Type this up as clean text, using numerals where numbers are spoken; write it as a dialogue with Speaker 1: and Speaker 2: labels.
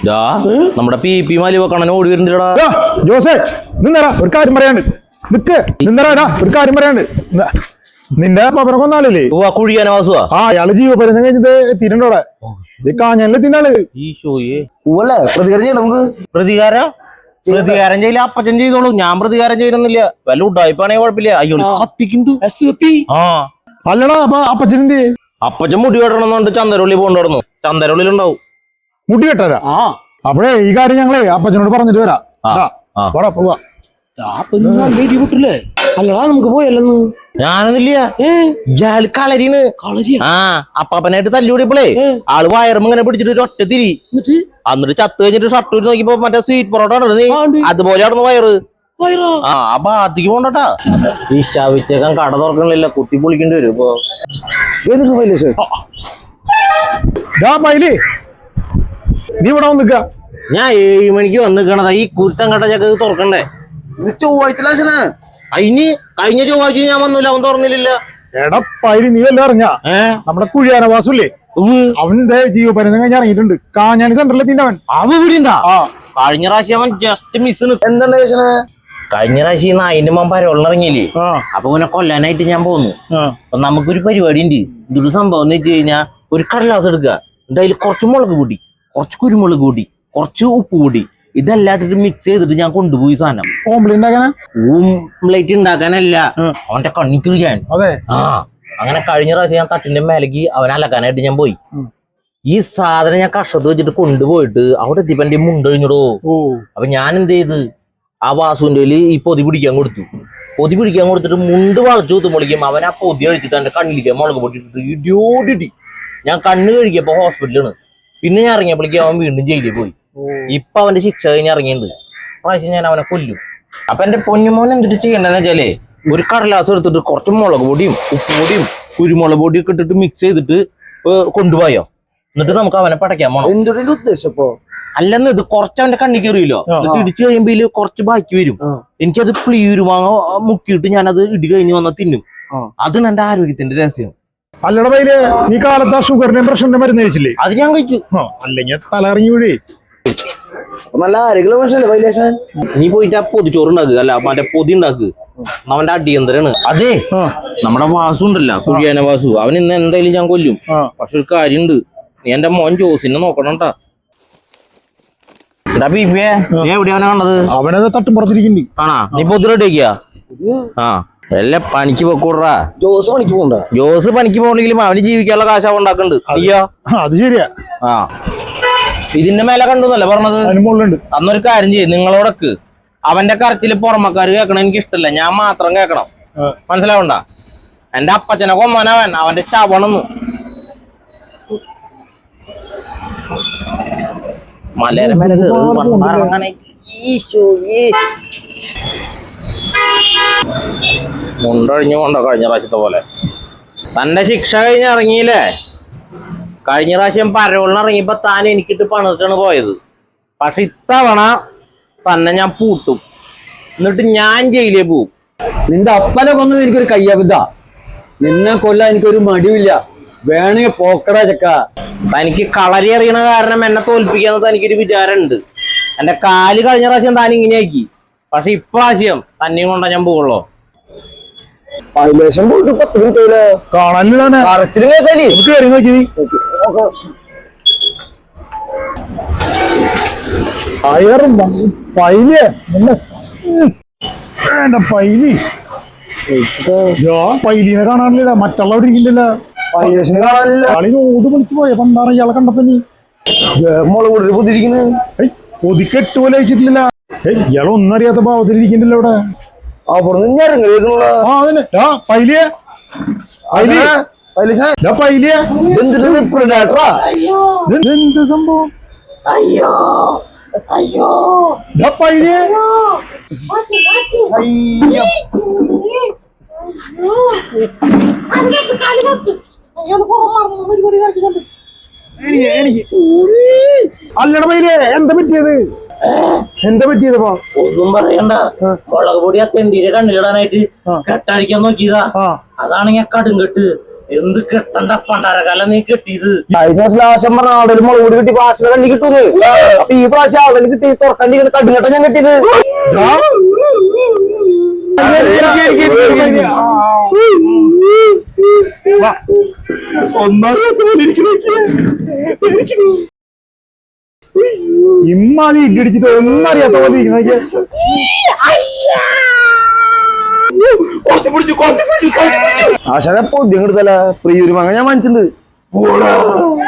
Speaker 1: നമ്മുടെ പി മാലിവ കാണാൻ ഓടി വരുന്നുണ്ടടാ.
Speaker 2: ജോസേ നിന്നടാ, ഒരു കാര്യം പറയാണ്ട്. നിക്ക് നിന്നടാ, ഒരു കാര്യം പറയാണ്ട്. നിന്റെ പപ്പനെ കൊന്നാലേ
Speaker 1: കുഴിയാനോ വാസുവാ?
Speaker 2: ആ അയാള് ജീവപര്യന്തം കഴിഞ്ഞത് എത്തിയിട്ടുണ്ടോടെ? ഇത് കാഞ്ഞാലെത്തിനാള്.
Speaker 1: പ്രതികാരം ചെയ്യില്ല, അപ്പച്ചൻ ചെയ്തോളൂ. ഞാൻ പ്രതികാരം ചെയ്യുന്നില്ല. വല്ല ഉഡായിപ്പാണെങ്കിൽ കുഴപ്പമില്ല. അയ്യോ കത്തിക്കുന്നുണ്ട്. ആ
Speaker 2: അല്ലടാ, അപ്പൊ അപ്പച്ചനെന്ത്?
Speaker 1: അപ്പച്ചൻ മുടി വെട്ടണമെന്നുണ്ട്. ചന്ദരുള്ളി പോകണ്ടു. ചന്ദരുള്ളിലുണ്ടാവും
Speaker 2: മുടി വെട്ടാരാ? അപ്പഴേ ഈ കാര്യം ഞങ്ങളെ അപ്പച്ചനോട് പറഞ്ഞിട്ട് വരാം. പോവാ.
Speaker 3: അല്ലടാ നമുക്ക് പോയല്ലെന്ന്.
Speaker 1: ഞാനൊന്നില്ല, കളരിന്. ആ അപ്പാപ്പനായിട്ട് തല്ലുകൂടിയപ്പോളേ ആള് വയറും ഇങ്ങനെ പിടിച്ചിട്ട് ഒറ്റ തിരി. എന്നിട്ട് ചത്ത് കഴിഞ്ഞിട്ട് ഷർട്ട് നോക്കിയപ്പോ മറ്റേ സ്വീറ്റ് പൊറോട്ട അതുപോലെ ആടുന്നു വയറ്. ആ ഭാഗത്തേക്ക് പോണ്ടട്ടാ. ഈ ശവിച്ചേക്കാൻ കട തുറക്കണില്ല, കുത്തി പൊളിക്കേണ്ടി വരും ഇപ്പൊ.
Speaker 2: നീ ഇവിടെ വന്നിക്ക.
Speaker 1: ഞാൻ 7 മണിക്ക് വന്നിക്കണതാ. ഈ കുരുത്തം കട്ട ചക്ക തുറക്കണ്ടേ?
Speaker 3: ചൊവ്വാഴ്ച
Speaker 1: അതിന് കഴിഞ്ഞ ചൊവ്വാഴ്ച ഞാൻ വന്നില്ല, അവൻ തുറന്നില്ല.
Speaker 2: എടാ പൈരി, നീ വല്ല അറിഞ്ഞ നമ്മുടെ കുഴിയാനവാസുല്ലേ, അവന്റെ ജീവപര്യന്തം കഴിഞ്ഞ് ഇറങ്ങിയിട്ടുണ്ട്. കാഞ്ഞാണി സെന്ററിൽ എത്തിണ്ടവൻ.
Speaker 1: അവൻ ഇവിടെ ഉണ്ടാ? കഴിഞ്ഞ പ്രാവശ്യം അവൻ ജസ്റ്റ് മിസ്.
Speaker 3: എന്താണ്
Speaker 1: കഴിഞ്ഞ പ്രാവശ്യം അതിന്റെ മുമ്പ് പരവളിറങ്ങിയില്ലേ, അപ്പൊ ഇങ്ങനെ കൊല്ലാനായിട്ട് ഞാൻ പോന്നു. അപ്പൊ നമുക്കൊരു പരിപാടി ഉണ്ട്. ഇതൊരു സംഭവം എന്ന് വെച്ച് കഴിഞ്ഞാൽ ഒരു കടലാസ് എടുക്കുക, എന്നിട്ട് അതിൽ കുറച്ച് മുളക് പൊടി, കുറച്ച് കുരുമുളക് പൊടി, കുറച്ച് ഉപ്പ് പൊടി, ഇതെല്ലാം ഇട്ടിട്ട് മിക്സ് ചെയ്തിട്ട് ഞാൻ കൊണ്ടുപോയി സാധനം. ഓംപ്ലേറ്റ് ഉണ്ടാക്കാനല്ല, അവന്റെ കണ്ണിക്കുഴിയാൻ. ആ അങ്ങനെ കഴിഞ്ഞ പ്രാവശ്യം ഞാൻ തട്ടിന്റെ മേലേക്ക് അവനെ അലക്കാനായിട്ട് ഞാൻ പോയി. ഈ സാധനം ഞാൻ കഷത്ത് വെച്ചിട്ട് കൊണ്ടുപോയിട്ട് അവിടെ എത്തിയപ്പോ എന്റെ മുണ്ടഴിഞ്ഞിടോ. അപ്പൊ ഞാൻ എന്ത് ചെയ്ത്, ആ വാസുവിന്റെ ഈ പൊതി പിടിക്കാൻ കൊടുത്തു. പൊതി പിടിക്കാൻ കൊടുത്തിട്ട് മുണ്ട് വളച്ചു കുത്തുമ്പോളിക്കും അവൻ ആ പൊതി കഴിച്ചിട്ട് എന്റെ കണ്ണിലേക്ക് മുളക് പൊട്ടിട്ട് ഇടിയോടിട്ടി. ഞാൻ കണ്ണ് കഴിക്കപ്പോ ഹോസ്പിറ്റലാണ്. പിന്നെ ഞാൻ ഇറങ്ങിയപ്പോഴേക്കും അവൻ വീണ്ടും ജയിലിൽ പോയി. ഇപ്പൊ അവന്റെ ശിക്ഷ കഴിഞ്ഞ് ഇറങ്ങിയിട്ടുണ്ട്. പ്രാവശ്യം ഞാൻ അവനെ കൊല്ലും. അപ്പൊ എന്റെ പൊന്നുമോൻ എന്തിട്ട് ചെയ്യണ്ടെന്ന് വെച്ചാലേ, ഒരു കടലാസ് എടുത്തിട്ട് കുറച്ച് മുളക് പൊടിയും ഉപ്പ് പൊടിയും കുരുമുളക് പൊടിയും ഒക്കെ ഇട്ടിട്ട് മിക്സ് ചെയ്തിട്ട് കൊണ്ടുപോയോ. എന്നിട്ട് നമുക്ക് അവനെ പടയ്ക്കാൻ പോണം.
Speaker 3: എന്തുകൊണ്ട് ഉദ്ദേശം?
Speaker 1: അല്ലെന്ന് ഇത് കുറച്ച് അവന്റെ കണ്ണി കയറിയില്ലോ, ഇടിച്ചു കഴിയുമ്പോ ഇതില് കുറച്ച് ബാക്കി വരും. എനിക്കത് പ്ലീരുമാങ്ങ മുക്കിയിട്ട് ഞാനത് ഇടി കഴിഞ്ഞ് വന്നാൽ തിന്നും. അതാണ് എന്റെ ആരോഗ്യത്തിന്റെ രഹസ്യം.
Speaker 2: അല്ലട പൈല്, നീ കാലത്ത് ആ ഷുഗറിന്റെ പ്രഷറിന്റെ മരുന്ന് കഴിച്ചില്ലേ?
Speaker 1: അത് ഞാൻ കഴിച്ചു.
Speaker 2: അല്ലെങ്കിൽ തലറിഞ്ഞു വീഴേ.
Speaker 3: നല്ല ആരോഗ്യമുള്ള മനുഷ്യല്ലേ പൈലേശൻ.
Speaker 1: നീ പോയിട്ട് ആ പൊതിച്ചോറ് ഉണ്ടാക്കുക, അല്ല മറ്റേ പൊതി ഉണ്ടാക്കുക. അവന്റെ അടിയന്തരാണ്. അതെ, നമ്മുടെ വാസു ഉണ്ടല്ലോ, കുഴിയാന വാസു, അവൻ ഇന്ന് എന്തായാലും ഞാൻ കൊല്ലും. പക്ഷെ ഒരു കാര്യമുണ്ട്, നീ എന്റെ മോൻ ജോസിനെ നോക്കണട്ടാ. എന്താ പീപ്പിയെ, നീ എവിടെയാ അവനെ കണ്ടത്?
Speaker 2: അവനത് തട്ടുമ്പുറത്തിരിക്കുന്നു.
Speaker 1: ആണാ? നീ പൊതി റെഡിയാക്കിയാ? ആ എല്ലാം പണിക്ക് പൊക്കൂടാ.
Speaker 3: ജോസ് പണിക്ക് പോകണ്ട.
Speaker 1: ജോസ് പണിക്ക് പോകണെങ്കിലും അവന് ജീവിക്കാനുള്ള കാശ് അവൻ ഉണ്ടാക്കുന്നുണ്ട്. അയ്യോ
Speaker 2: അത് ശരിയാ.
Speaker 1: ആ ഇതിന്റെ മേലെ കണ്ടുന്നല്ലേ പറഞ്ഞത്? അന്നൊരു കാര്യം ചെയ്യും, നിങ്ങളോടൊക്കെ അവന്റെ കരച്ചില് പുറമക്കാര് കേൾക്കണം എനിക്ക് ഇഷ്ടമല്ല, ഞാൻ മാത്രം കേൾക്കണം. മനസ്സിലാവണ്ട? എന്റെ അപ്പച്ചനെ കൊമ്മനവൻ, അവന്റെ ശവണെന്ന്. മലയുടെ മേലെ മുണ്ടൊഴിഞ്ഞു കൊണ്ടോ കഴിഞ്ഞ പ്രാവശ്യത്തെ പോലെ. തന്റെ ശിക്ഷ കഴിഞ്ഞ് ഇറങ്ങിയില്ലേ? കഴിഞ്ഞ പ്രാവശ്യം പരവളിന് ഇറങ്ങിയപ്പോ താൻ എനിക്കിട്ട് പണിട്ടാണ് പോയത്. പക്ഷെ ഇത്തവണ തന്നെ ഞാൻ പൂട്ടും, എന്നിട്ട് ഞാൻ ജയിലിൽ പോവും.
Speaker 3: നിന്റെ അപ്പനെ കൊന്നും എനിക്കൊരു കയ്യബദ്ധ. നിന്നെ കൊല്ലാൻ എനിക്കൊരു മടിയില്ല. വേണമെങ്കിൽ പോക്കടാ ചക്ക.
Speaker 1: തനിക്ക് കളരി അറിയണ കാരണം എന്നെ തോൽപ്പിക്കാന്ന് തനിക്കൊരു വിചാരമുണ്ട്. എന്റെ കാല് കഴിഞ്ഞ പ്രാവശ്യം താൻ ഇങ്ങനെയാക്കി, പക്ഷെ ഇപ്രാവശ്യം തന്നെയും കൊണ്ടാ ഞാൻ പോകുള്ളൂ.
Speaker 2: പൈലിനെ കാണാനില്ല, മറ്റുള്ളവർ ഇരിക്കില്ലല്ലോ. ോട് വിളിച്ചു പോയ പണ്ടാണ് ഇയാളെ കണ്ടപ്പോ. നീ
Speaker 3: മുളക് പൊതിരിക്കുന്നത്
Speaker 2: ഒതുക്കെട്ട് പോലെ അയച്ചിട്ടില്ല. ഇയാളെ ഒന്നും അറിയാത്ത ഭാവത്തിലിരിക്കണ്ടല്ലോ ഇവിടെ. എന്ത് സംഭവം?
Speaker 3: അയ്യോ അയ്യോ
Speaker 2: അല്ലട പൈലേ, എന്താ പറ്റിയത്?
Speaker 1: ഒന്നും പറയണ്ട. മുളക് പൊടി ആ തെണ്ടീരെ കണ്ണിലിടാനായിട്ട് കെട്ടടിക്കാൻ നോക്കിയതാ. അതാണ് ഞാൻ കടുങ്കെട്ട്. എന്ത് കെട്ടണ്ട പണ്ടാരകാലം നീ കെട്ടിയത്.
Speaker 3: കഴിഞ്ഞ പ്രാവശ്യം പറഞ്ഞ ആടലും മുളക് കിട്ടി പാശന കണ്ടി കിട്ടൂന്ന്. അപ്പൊ ഈ പ്രാവശ്യം ആടലും കിട്ടി തുറക്കണ്ടി കടുങ്ങട്ട ഞാൻ കെട്ടിയത്.
Speaker 2: ഇമ്മാതി ഇടിച്ചിട്ട് ഒന്നും അറിയാത്ത പോലെ ഇരിക്കണ
Speaker 3: ആശാനെ പൊതി കിട്ടല പ്രിയൂര് വാങ്ങാൻ ഞാൻ വാങ്ങിച്ചിട്ടുണ്ട്.